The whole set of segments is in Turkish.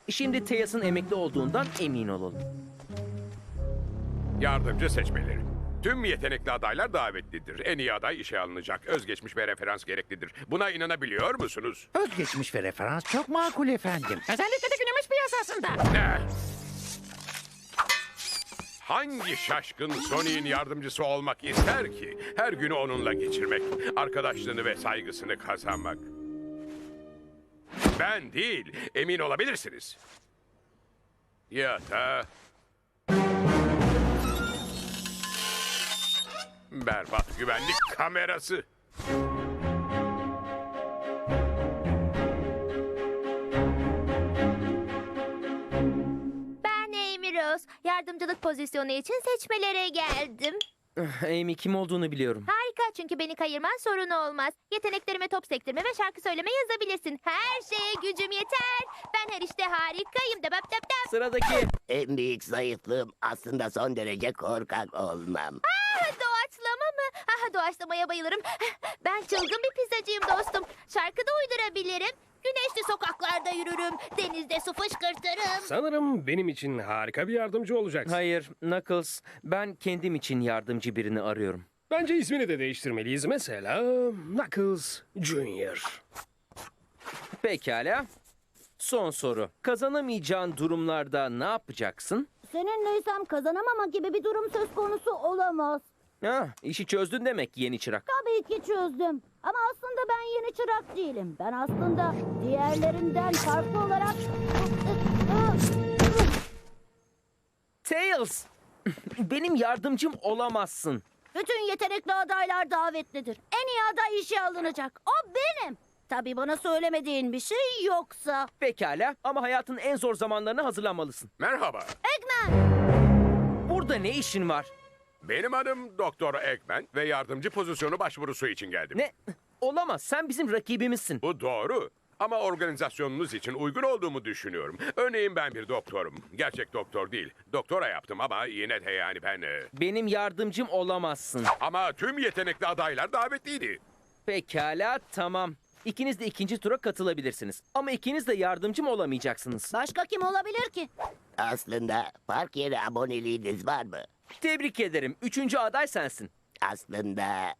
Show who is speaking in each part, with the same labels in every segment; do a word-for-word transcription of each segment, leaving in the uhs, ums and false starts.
Speaker 1: Şimdi Tails'ın emekli olduğundan emin olalım.
Speaker 2: Yardımcı seçmeleri. Tüm yetenekli adaylar davetlidir. En iyi aday işe alınacak. Özgeçmiş ve referans gereklidir. Buna inanabiliyor musunuz?
Speaker 3: Özgeçmiş ve referans çok makul efendim. Özellikle de günümüz piyasasında.
Speaker 2: Ne? Hangi şaşkın Sony'in yardımcısı olmak ister ki? Her günü onunla geçirmek, arkadaşlığını ve saygısını kazanmak. Ben değil, emin olabilirsiniz. Ya da... Berbat güvenlik kamerası.
Speaker 4: Ben Amy Rose. Yardımcılık pozisyonu için seçmelere geldim.
Speaker 1: Amy kim olduğunu biliyorum.
Speaker 4: Harika, çünkü beni kayırman sorun olmaz. Yeteneklerime top sektirme ve şarkı söyleme yazabilirsin. Her şeye gücüm yeter. Ben her işte harikayım. Dap dap dap.
Speaker 1: Sıradaki.
Speaker 5: En büyük zayıflığım aslında son derece korkak olmam.
Speaker 4: Ah, doğaçlama mı? Ah, doğaçlamaya bayılırım. Ben çılgın bir pizzacıyım dostum. Şarkı da uydurabilirim. Güneşli sokaklarda yürürüm. Denizde su fışkırtırım.
Speaker 6: Sanırım benim için harika bir yardımcı olacaksın.
Speaker 1: Hayır, Knuckles. Ben kendim için yardımcı birini arıyorum.
Speaker 6: Bence ismini de değiştirmeliyiz. Mesela Knuckles Junior
Speaker 1: Pekala. Son soru. Kazanamayacağın durumlarda ne yapacaksın?
Speaker 7: Seninleysem kazanamama gibi bir durum söz konusu olamaz.
Speaker 1: Ha, işi çözdün demek yeni çırak.
Speaker 7: Tabii ki çözdüm. Ama aslında ben yeni çırak değilim. Ben aslında diğerlerinden farklı olarak...
Speaker 1: Tails! Benim yardımcım olamazsın.
Speaker 7: Bütün yetenekli adaylar davetlidir. En iyi aday işe alınacak. O benim. Tabii bana söylemediğin bir şey yoksa.
Speaker 1: Pekala ama hayatın en zor zamanlarına hazırlanmalısın.
Speaker 2: Merhaba,
Speaker 7: Eggman!
Speaker 1: Burada ne işin var?
Speaker 2: benim adım Doktor Eggman ve yardımcı pozisyonu başvurusu için geldim.
Speaker 1: Ne? Olamaz. Sen bizim rakibimizsin.
Speaker 2: Bu doğru. Ama organizasyonunuz için uygun olduğumu düşünüyorum. Örneğin ben bir doktorum. Gerçek doktor değil. Doktora yaptım ama yine de yani ben... e,
Speaker 1: Benim yardımcım olamazsın.
Speaker 2: Ama tüm yetenekli adaylar davetliydi.
Speaker 1: Pekala, tamam. İkiniz de ikinci tura katılabilirsiniz. Ama ikiniz de yardımcım olamayacaksınız.
Speaker 7: Başka kim olabilir ki?
Speaker 5: Aslında park yeri aboneliğiniz var mı?
Speaker 1: Tebrik ederim. Üçüncü aday sensin.
Speaker 5: Aslında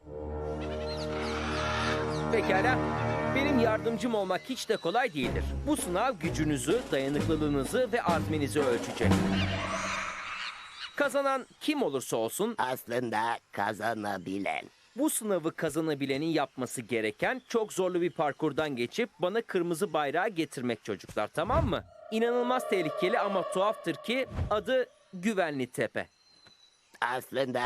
Speaker 1: Pekala. Benim yardımcım olmak hiç de kolay değildir. Bu sınav gücünüzü, dayanıklılığınızı ve azminizi ölçecek. Kazanan kim olursa olsun
Speaker 5: aslında kazanabilen.
Speaker 1: bu sınavı kazanabilenin yapması gereken çok zorlu bir parkurdan geçip bana kırmızı bayrağı getirmek çocuklar, tamam mı? İnanılmaz tehlikeli ama tuhaftır ki adı Güvenli Tepe.
Speaker 5: Aslında...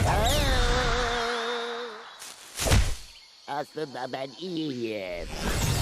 Speaker 5: Aslında ben iyiyim.